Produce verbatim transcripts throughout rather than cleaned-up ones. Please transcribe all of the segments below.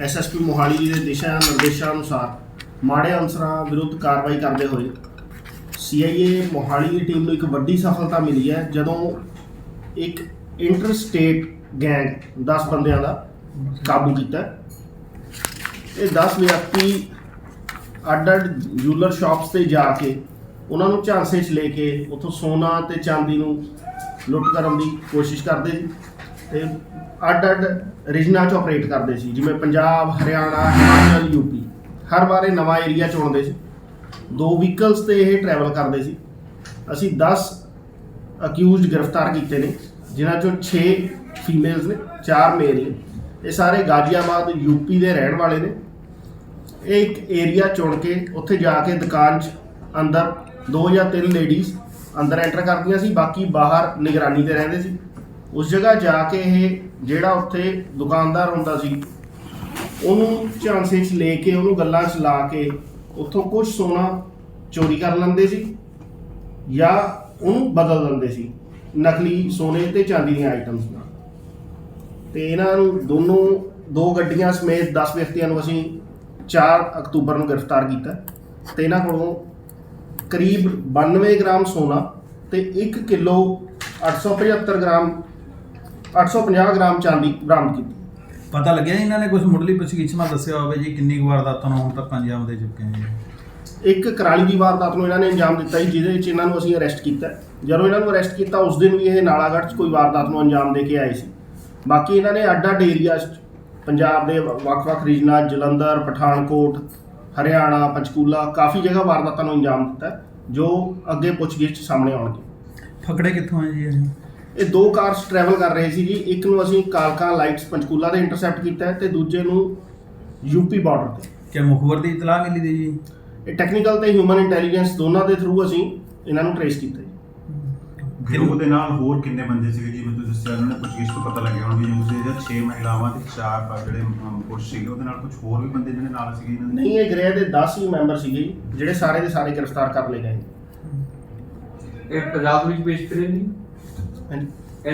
S S P Mohali ji के दिशा निर्देशों अनुसार माड़े अंसरां विरुद्ध कार्रवाई करते हुए सी आई ए मोहाली की टीम को एक वड्डी सफलता मिली है जदों एक इंटर स्टेट गैंग दस बंदियां का काबू किया। ये दस व्यक्ति अड अड जूलर शॉप्स से जाके उन्होंने झांसे च लेके उतों सोना ते चांदी नूं लुट करन दी कोशिश करते ते अड अड रीजनां च ऑपरेट करते सी, जिवें पंजाब, हरियाणा, हिमाचल, यूपी। हर बार नवा एरिया चुनते सी। दो व्हीकल्स ते ये ट्रैवल करते सी। असी दस अक्यूज गिरफ्तार किए ने, जिन्हां चों छे फीमेल्स ने, चार मेल ने। ये सारे गाजियाबाद यूपी के रहने वाले ने। एक एरिया चुन के उत्थे जाके दुकान च अंदर दो या तीन लेडीज़ अंदर एंटर करदियां सी, बाकी बाहर निगरानी ते रहिंदे सी। उस जगह जाके ये ਜਿਹੜਾ ਉੱਥੇ ਦੁਕਾਨਦਾਰ ਹੁੰਦਾ ਸੀ ਉਹਨੂੰ ਝਾਂਸੇ 'ਚ ਲੈ ਕੇ ਉਹਨੂੰ ਗੱਲਾਂ 'ਚ ਲਾ ਕੇ ਉੱਥੋਂ ਕੁਝ ਸੋਨਾ ਚੋਰੀ ਕਰ ਲੈਂਦੇ ਸੀ ਜਾਂ ਉਹਨੂੰ ਬਦਲ ਲੈਂਦੇ ਸੀ ਨਕਲੀ ਸੋਨੇ ਤੇ ਚਾਂਦੀ ਦੀਆਂ ਆਈਟਮਸ ਨਾਲ। ਤੇ ਇਹਨਾਂ ਨੂੰ ਦੋਨੋਂ ਦੋ ਗੱਡੀਆਂ ਸਮੇਤ ਦਸ ਵਿਅਕਤੀਆਂ ਨੂੰ ਅਸੀਂ ਚਾਰ ਅਕਤੂਬਰ ਨੂੰ ਗ੍ਰਿਫਤਾਰ ਕੀਤਾ ਤੇ ਇਹਨਾਂ ਕੋਲੋਂ ਕਰੀਬ ਬਾਨਵੇਂ ਗ੍ਰਾਮ ਸੋਨਾ ਤੇ ਇੱਕ ਕਿਲੋ ਅੱਠ ਸੌ ਪਝੱਤਰ ਗ੍ਰਾਮ ਅੱਠ ਸੌ ਪੰਜਾਹ ਗ੍ਰਾਮ ਚਾਂਦੀ ਬਰਾਮਦ ਕੀਤੀ। ਪਤਾ ਲੱਗਿਆ ਇਹਨਾਂ ਨੇ ਕੁਝ ਮੁੱਢਲੀ ਪੁੱਛਗਿੱਛ ਮੈਂ ਦੱਸਿਆ ਹੋਵੇ ਜੀ ਕਿੰਨੀ ਕੁ ਵਾਰਦਾਤਾਂ ਨੂੰ ਹੁਣ ਤੱਕ ਅੰਜਾਮ ਦੇ ਚੁੱਕੇ ਨੇ? ਇੱਕ ਕਰਾਲੀ ਦੀ ਵਾਰਦਾਤ ਨੂੰ ਇਹਨਾਂ ਨੇ ਅੰਜਾਮ ਦਿੱਤਾ ਜੀ, ਜਿਹਦੇ ਵਿੱਚ ਇਹਨਾਂ ਨੂੰ ਅਸੀਂ ਅਰੈਸਟ ਕੀਤਾ। ਜਦੋਂ ਇਹਨਾਂ ਨੂੰ ਅਰੈਸਟ ਕੀਤਾ ਉਸ ਦਿਨ ਵੀ ਇਹ ਨਾਲਾਗੜ੍ਹ 'ਚ ਕੋਈ ਵਾਰਦਾਤ ਨੂੰ ਅੰਜਾਮ ਦੇ ਕੇ ਆਏ ਸੀ। ਬਾਕੀ ਇਹਨਾਂ ਨੇ ਅੱਡ ਅੱਡ ਏਰੀਆ 'ਚ ਪੰਜਾਬ ਦੇ ਵੱਖ-ਵੱਖ ਰੀਜਨਾਂ ਜਲੰਧਰ, ਪਠਾਨਕੋਟ, ਹਰਿਆਣਾ, ਪੰਚਕੂਲਾ ਕਾਫੀ ਜਗ੍ਹਾ ਵਾਰਦਾਤਾਂ ਨੂੰ ਅੰਜਾਮ ਦਿੱਤਾ, ਜੋ ਅੱਗੇ ਪੁੱਛਗਿੱਛ ਸਾਹਮਣੇ ਆਉਣਗੇ। ਫਕੜੇ ਕਿੱਥੋਂ ਆਏ ਜੀ ਇਹ? ਇਹ ਦੋ ਕਾਰਸ ਟਰੈਵਲ ਕਰ ਰਹੇ ਸੀ ਜੀ। ਇੱਕ ਨੂੰ ਅਸੀਂ ਕਾਲਕਾ ਲਾਈਟਸ ਪੰਚਕੂਲਾ ਦੇ ਇੰਟਰਸੈਪਟ ਕੀਤਾ ਤੇ ਦੂਜੇ ਨੂੰ ਯੂਪੀ ਬਾਰਡਰ ਤੇ। ਕਿ ਮੁਖਬਰ ਦੀ ਇਤਲਾਹ ਮਿਲੀ ਦੀ ਜੀ? ਇਹ ਟੈਕਨੀਕਲ ਤੇ ਹਿਊਮਨ ਇੰਟੈਲੀਜੈਂਸ ਦੋਨਾਂ ਦੇ ਥਰੂ ਅਸੀਂ ਇਹਨਾਂ ਨੂੰ ਟ੍ਰੇਸ ਕੀਤਾ ਜੀ। ਗਿਰੋਹ ਦੇ ਨਾਲ ਹੋਰ ਕਿੰਨੇ ਬੰਦੇ ਸੀਗੇ ਜੀ? ਮੈਨੂੰ ਦੱਸਿਆ ਉਹਨਾਂ ਨੇ ਪੁੱਛਗਿੱਛ ਤੋਂ ਪਤਾ ਲੱਗਿਆ ਹੁਣ ਵੀ ਉਸੇ ਦੇ ਛੇ ਮਹਿਲਾਵਾਂ ਤੇ ਚਾਰ ਜਿਹੜੇ ਪੁਰਸ਼ ਸੀਗੇ, ਉਹਦੇ ਨਾਲ ਕੁਝ ਹੋਰ ਵੀ ਬੰਦੇ ਜਿਹੜੇ ਨਾਲ ਸੀਗੇ ਇਹਨਾਂ ਦੇ? ਨਹੀਂ, ਇਹ ਗ੍ਰਹਿ ਦੇ ਦਸ ਹੀ ਮੈਂਬਰ ਸੀਗੇ ਜੀ, ਜਿਹੜੇ ਸਾਰੇ ਦੇ ਸਾਰੇ ਗ੍ਰਿਫਤਾਰ ਕਰ ਲਏ ਗਏ। ਇਹ ਪੰਜਾਬ ਵਿੱਚ ਪੇਸ਼ ਕਰੇ ਨਹੀਂ? ਹਾਂਜੀ,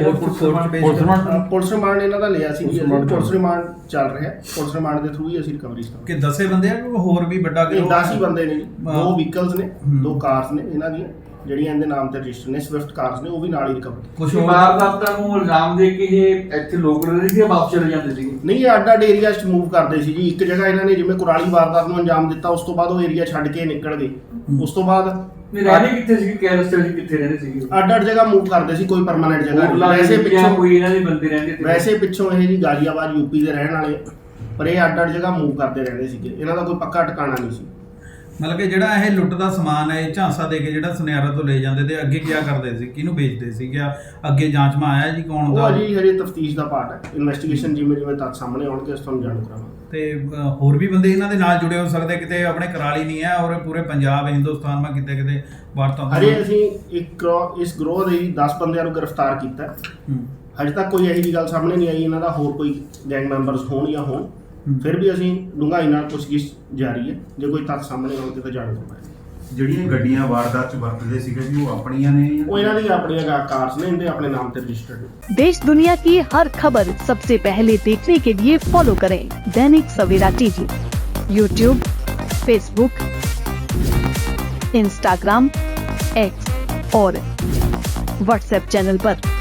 ਪੁਲਿਸ ਰਿਮਾਂਡ ਇਹਨਾਂ ਦਾ ਲਿਆ ਸੀ ਜੀ। ਪੁਲਿਸ ਰਿਮਾਂਡ ਚੱਲ ਰਿਹਾ, ਪੁਲਿਸ ਰਿਮਾਂਡ ਦੇ ਥਰੂ ਹੀ ਅਸੀਂ ਰਿਕਵਰੀ ਕਰਾਂਗੇ। ਕਿ ਦਸੇ ਬੰਦੇ ਆ ਕਿ ਹੋਰ ਵੀ ਵੱਡਾ ਇਹ ਦਸ ਹੀ ਬੰਦੇ ਨੇ ਜੀ। ਦੋ ਵਹੀਕਲਸ ਨੇ, ਦੋ ਕਾਰਸ ਨੇ ਇਹਨਾਂ ਦੀਆਂ ਜਿਹੜੀਆਂ ਇਹਦੇ ਨਾਮ ਤੇ ਰਜਿਸਟਰ ਨੇ, ਸਵਿਫਟ ਕਾਰਸ ਨੇ, ਉਹ ਵੀ ਨਾਲ ਹੀ ਰਿਕਵਰ। ਕੁਝ ਵਾਰਦਾਤਾਂ ਨੂੰ ਇਲਜ਼ਾਮ ਦੇ ਕੇ ਇਹ ਇੱਥੇ ਲੋਕ ਰਹਿੰਦੇ ਸੀ, ਵਾਪਸ ਚਲੇ ਜਾਂਦੇ ਸੀ? ਨਹੀਂ, ਇਹ ਅੱਡ ਅੱਡ ਏਰੀਆ 'ਚ ਮੂਵ ਕਰਦੇ ਸੀ ਜੀ। ਇੱਕ ਜਗ੍ਹਾ ਇਹਨਾਂ ਨੇ ਜਿਵੇਂ ਕੁਰਾਲੀ ਵਾਰਦਾਤ ਨੂੰ ਅੰਜਾਮ ਦਿੱਤਾ, ਉਸ ਤੋਂ ਬਾਅਦ ਉਹ ਏਰੀਆ ਛੱਡ ਕੇ ਨਿਕਲ ਗਏ। ਉਸ ਤੋਂ ਬਾਅਦ ਰਹਿਣੇ ਕਿੱਥੇ ਸੀ? ਕੈਰਸਟਰ ਜੀ ਕਿੱਥੇ ਰਹਿੰਦੇ ਸੀ? ਅੱਡ ਅੱਡ ਜਗ੍ਹਾ ਮੂਵ ਕਰਦੇ ਸੀ, ਕੋਈ ਪਰਮਾਨੈਂਟ ਜਗ੍ਹਾ। ਵੈਸੇ ਪਿੱਛੋਂ ਕੋਈ ਇਹਨਾਂ ਦੇ ਬੰਦੇ ਰਹਿੰਦੇ ਸੀ? ਵੈਸੇ ਪਿੱਛੋਂ ਇਹ ਜੀ ਗਾਜ਼ੀਆਬਾਦ ਯੂਪੀ ਦੇ ਰਹਿਣ ਵਾਲੇ, ਪਰ ਇਹ ਅੱਡ ਅੱਡ ਜਗ੍ਹਾ ਮੂਵ ਕਰਦੇ ਰਹਿੰਦੇ ਸੀਗੇ। ਇਹਨਾਂ ਦਾ ਕੋਈ ਪੱਕਾ ਟਿਕਾਣਾ ਨਹੀਂ ਸੀ। ਮਤਲਬ ਕਿ ਜਿਹੜਾ ਇਹ ਲੁੱਟ ਦਾ ਸਮਾਨ ਹੈ ਇਹ ਝਾਂਸਾ ਦੇ ਕੇ ਜਿਹੜਾ ਸੁਨਿਆਰਾ ਤੋਂ ਲੈ ਜਾਂਦੇ ਤੇ ਅੱਗੇ ਕੀ ਕਰਦੇ ਸੀ, ਕਿਹਨੂੰ ਵੇਚਦੇ ਸੀ? ਕਿਆ ਅੱਗੇ ਜਾਂਚ ਮਾ ਆਇਆ ਜੀ ਕੌਣ ਦਾ? ਉਹ ਜੀ ਹਜੇ ਤਫਤੀਸ਼ ਦਾ ਪਾਰਟ ਹੈ। ਇਨਵੈਸਟੀਗੇਸ਼ਨ ਜਿਵੇਂ ਜਿਵੇਂ ਤੱਥ ਸਾਹਮਣੇ ਆਉਣਗੇ ਉਸ ਤੁਹਾਨੂੰ ਜਾਣੂ ਕਰਾਂਗੇ। ਤੇ ਹੋਰ ਵੀ ਬੰਦੇ ਇਹਨਾਂ ਦੇ ਨਾਲ ਜੁੜੇ ਹੋ ਸਕਦੇ, ਕਿਤੇ ਆਪਣੇ ਕਰਾਲੀ ਨਹੀਂ ਹੈ ਔਰ ਪੂਰੇ ਪੰਜਾਬ ਹਿੰਦੁਸਤਾਨ ਮਾ ਕਿਤੇ ਕਿਤੇ ਵਾਰਤਾ? ਹਜੇ ਅਸੀਂ ਇੱਕ ਇਸ ਗਰੋਹ ਦੇ ਦਸ ਬੰਦਿਆਂ ਨੂੰ ਗ੍ਰਿਫਤਾਰ ਕੀਤਾ। ਹਜੇ ਤੱਕ ਕੋਈ ਇਹੋ ਜਿਹੀ ਗੱਲ ਸਾਹਮਣੇ ਨਹੀਂ ਆਈ ਇਹਨਾਂ ਦਾ ਹੋਰ ਕੋਈ ਗੈਂਗ ਮੈਂਬਰਸ ਹੋਣ ਜਾਂ ਹੋਣ। ਫਿਰ ਵੀ ਅਸੀਂ ਡੂੰਘਾਈ ਨਾਲ ਪੁੱਛਗਿੱਛ ਜਾਰੀ ਹੈ, ਜੇ ਕੋਈ ਤੱਥ ਸਾਹਮਣੇ ਆਉਣਗੇ ਤਾਂ ਜਾਣੂ ਕਰਾਂਗੇ। ਜਿਹੜੀਆਂ ਗੱਡੀਆਂ ਵਾਰਦਾਤ 'ਚ ਵਰਤਦੇ ਸੀਗੇ ਜੀ, ਉਹ ਆਪਣੀਆਂ ਨੇ? ਉਹ ਇਹਨਾਂ ਦੀ ਆਪਣੀਆਂ ਕਾਰਸ ਨੇ, ਇਹਦੇ ਆਪਣੇ ਨਾਮ ਤੇ ਰਜਿਸਟਰਡ ਨੇ। देश दुनिया की हर खबर सबसे पहले देखने के लिए फॉलो करें Dainik Savera TV, YouTube, Facebook, Instagram, X और व्हाट्सएप चैनल पर।